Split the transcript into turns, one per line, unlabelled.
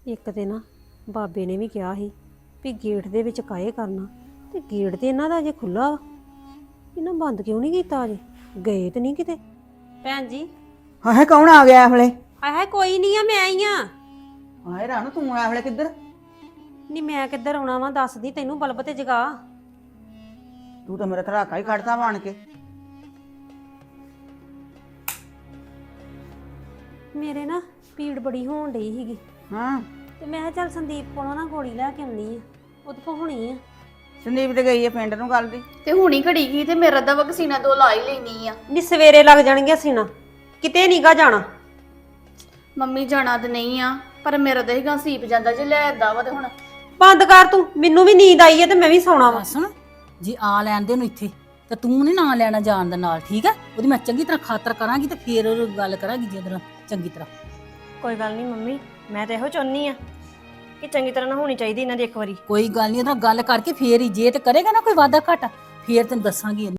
ਇੱਕ ਤੇ ਨਾ ਬਾਬੇ ਨੇ ਵੀ ਕਿਹਾ ਸੀ ਵੀ ਗੇਟ ਦੇ ਵਿੱਚ ਕਾਏ ਕਰਨਾ ਤੇ ਗੇਟ ਤੇ ਇਹਨਾਂ ਦਾ ਅਜੇ ਖੁੱਲਾ ਵਾ। ਇਹਨਾਂ ਬੰਦ ਕਿਉਂ ਨਹੀਂ ਕੀਤਾ ਅਜੇ? ਗਏ ਤੇ ਨਹੀਂ ਕਿਤੇ? ਭੈਣ ਜੀ
ਹਾਏ ਕੌਣ ਆ ਗਿਆ ਇਹ ਵੇਲੇ?
ਹਾਏ ਕੋਈ ਨਹੀਂ ਆ, ਮੈਂ ਆਈ ਆ।
ਹਾਏ ਰਾਣੂ ਤੂੰ ਇਹ ਵੇਲੇ ਕਿੱਧਰ?
ਨਹੀਂ ਮੈਂ ਕਿੱਧਰ ਆਉਣਾ ਵਾ, ਦੱਸਦੀ ਤੈਨੂੰ, ਬਲਬ ਤੇ ਜਗਾ।
ਤੂੰ ਤਾਂ ਮੇਰਾ ਧੜਾਕਾ ਹੀ ਕੱਢਦਾ ਬਣ ਕੇ।
ਮੇਰੇ ਨਾ ਪੀੜ ਬੜੀ ਹੋਣ ਡਈ ਸੀਗੀ
ਹਾਂ
ਤੇ ਮੈਂ ਕਿਹਾ ਚੱਲ ਸੰਦੀਪ ਕੋਲੋਂ ਨਾ ਗੋਲੀ ਲੈ ਕੇ ਆਉਣੀ ਆ, ਉਹਦੇ ਕੋਲ ਹੋਣੀ ਆ।
ਸੰਦੀਪ ਤੇ ਗਈ ਹੈ ਪਿੰਡ ਨੂੰ ਗੱਲ ਦੀ।
ਤੇ ਹੁਣੀ ਘੜੀ ਗਈ ਤੇ ਮੇਰਾ ਤਾਂ ਵਕਸੀਨਾ 2 ਲਾ ਹੀ ਲੈਣੀ ਆ।
ਨਹੀਂ ਸਵੇਰੇ ਲੱਗ ਜਾਣਗੀਆਂ ਸੀਨਾ, ਕਿਤੇ ਨੀਗਾ ਜਾਣਾ।
ਮੰਮੀ ਜਾਣਾ ਤੇ ਨਹੀਂ ਆ, ਪਰ ਮੇਰਾ ਤਾਂ ਹੀਗਾ ਸੀਪ ਜਾਂਦਾ ਜੇ ਲੈ ਏਦਾਂ ਵਾ ਤੇ ਹੁਣ
ਬੰਦ ਕਰ ਤੂੰ, ਮੈਨੂੰ ਵੀ ਨੀਂਦ ਆਈ ਹੈ ਤੇ ਮੈਂ ਵੀ ਸੌਣਾ ਵਾ।
ਸੁਣ, ਜੇ ਆ ਲੈਂਦੇ ਨੂੰ ਇੱਥੇ ਤੇ ਤੂੰ ਨੀ ਨਾਂ ਲੈਣਾ ਜਾਣ ਦੇ ਨਾਲ, ਠੀਕ ਹੈ? ਉਹਦੀ ਮੈਂ ਚੰਗੀ ਤਰ੍ਹਾਂ ਖਾਤਰ ਕਰਾਂਗੀ ਤੇ ਫੇਰ ਉਹ ਗੱਲ ਕਰਾਂਗੀ ਜਿਹਦੇ ਚੰਗੀ ਤਰ੍ਹਾਂ।
ਕੋਈ ਗੱਲ ਨਹੀਂ ਮੰਮੀ, ਮੈਂ ਤਾਂ ਇਹੋ ਚਾਹੁੰਦੀ ਆ ਕਿ ਚੰਗੀ ਤਰ੍ਹਾਂ ਨਾ ਹੋਣੀ ਚਾਹੀਦੀ ਇਹਨਾਂ ਦੀ ਇੱਕ ਵਾਰੀ।
ਕੋਈ ਗੱਲ ਨਹੀਂ, ਉਹਦੇ ਨਾਲ ਗੱਲ ਕਰਕੇ ਫੇਰ ਹੀ, ਜੇ ਤੇ ਕਰੇਗਾ ਨਾ ਕੋਈ ਵਾਦਾ ਘਾਟਾ ਫੇਰ ਤੈਨੂੰ ਦੱਸਾਂਗੀ।